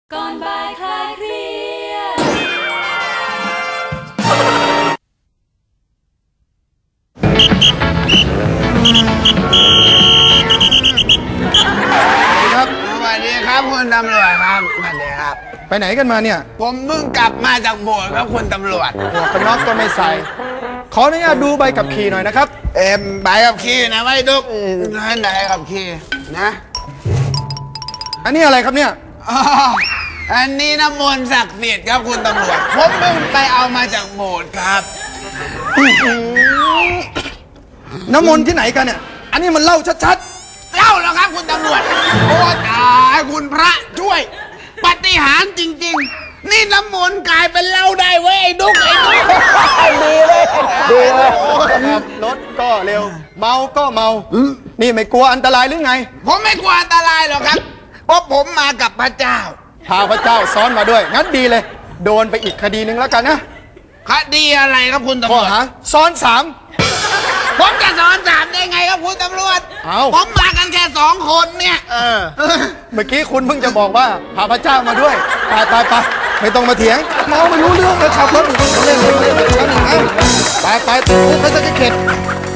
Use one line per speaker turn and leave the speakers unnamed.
ก่อนบ่ายคลายเครียด
ครับ
สวัสดีครับคุณตำรวจครับสวัสดีครับ
ไปไหนกันมาเนี่ย
ผมเพิ่งกลับมาจากโบสถ์ครับคุณตำรวจ
หมวกกันน็อกก็ไม่ใส่ ขออนุญาตดูใบขับขี่หน่อยนะครับ
ใบขับขี่นะไม่ดุกไหนขับขี่นะ
อันนี้อะไรครับเนี่ย
อ๋ออันนี้น้ำมนต์ศักดิ์สิทธิ์ครับคุณตำรวจผมเพิ่งไปเอามาจากโบสถ์ครับ
น้ำมนต์ที่ไหนกันเนี่ย อันนี้มันเหล้าชัด
เล่าแล้วครับคุณตำรวจโอ้ตายคุณพระช่วยปาฏิหาริย์จริง ๆ นี่น้ำมนต์กลายเป็นเหล้าได้เว้ยไอ้ดุกไอ้ดุก
ๆดีเลยขับรถก็เร็ว เมาก็เมา นี่ไม่กลัวอันตรายหรือไง
ผมไม่กลัวอันตรายหรอกครับเพราะผมมากับพระเจ้า
พาพระเจ้าซ้อนมาด้วย งั้นดีเลย โดนไปอีกคดีหนึ่งแล้วกันนะ
คดีอะไรครับคุณตำ
ข้
ร
อ
วจ
หาซ้อนสาม
ผมจะสอนสามได้ไงครับคุณตำรวจ
เอ้า
ผมมากันแค่2 คนเนี่ย
เมื่อกี้คุณเพิ่งจะบอกว่าพาพระเจ้ามาด้วยไปไม่ต้องมาเถียงเมาไม่รู้เรื่องแล้วขับรถอยู่ตรงเล่นไปไปไปไปไปไปจะเข็ด